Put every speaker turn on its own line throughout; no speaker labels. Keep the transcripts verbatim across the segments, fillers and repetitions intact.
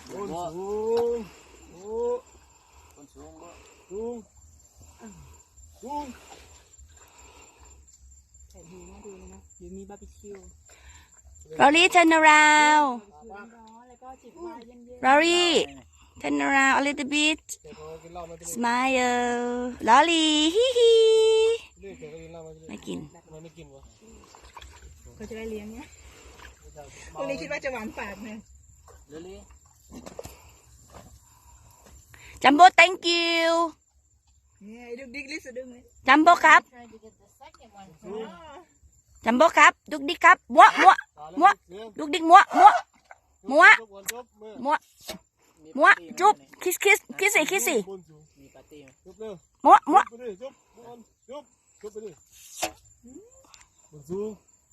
สูงโอ้คนสูงบ่สูงสูง
แต่ดูน่าดูเลยนะเดี๋ยวมีบาร์บีคิว
Rory turn around
ร้อนแล้วก็จิบไวน์เย็น
Rory turn around a little bit smile Rory ฮิฮิไม่กิน
ไม่กินวะ
ๆเขาจะได้เลี้ยงเนี่ยวันนี้คิดว่าจะหวานปากไหม
เดี๋ยวนี้
Jumbo thank you
เนี่ยดึกดิ๊กลิสดึงเลย
Jumbo ครับ Jumbo ครับดุกดิกครับมัวมัวมัวดุกดิกมัวมัวมัวมัวมัวจุ๊บคิสคิสคิสสิคิสสิ
มีปาร์ตี้
มัวมัว
จุ๊บจุ๊บจุ๊บไปดิบนสูง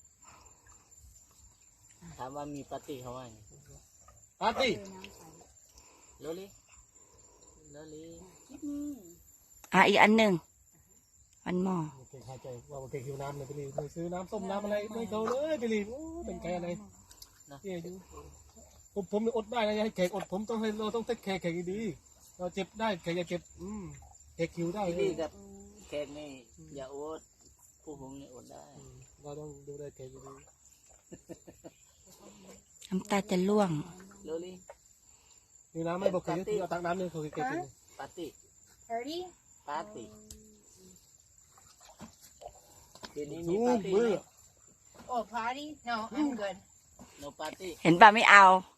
ถามว่ามีปาร์ตี้เขาว่าไงปาร์ตี้เดี๋ยวนี้เดี๋ยวนี้
อ่ะอีกอันหนึ่งวันหม้อ
เก่งหายใจว่าเก่งหิวน้ำเลยไปรีบซื้อน้ำส้มน้ำอะไรไม่เขาเลยไปรีบโอ้เป็นแกอะไรเนี่ยอยู่ผมผมอดได้นะให้แขกอดผมต้องให้เราต้องเทคแขกแขกดีเราเจ็บได้แขกอย่าเจ็บอืมแขกหิวได้ดีกับแขกนี่อย่าอดผู้ผมนี่อดได้เราต้องดูแลแขกดี
น้ำตาจะล่วง
เร็วนี่หิวน้ำไม่บอกใครเอาตักน้ำเนี่ยเขาเก็บกินปาร์ตี้
Ready
ปาร์ตี้ทีนี้มีปาร์ตี้
Oh party No I'm good
no party
เห็นป่ะไม่เอา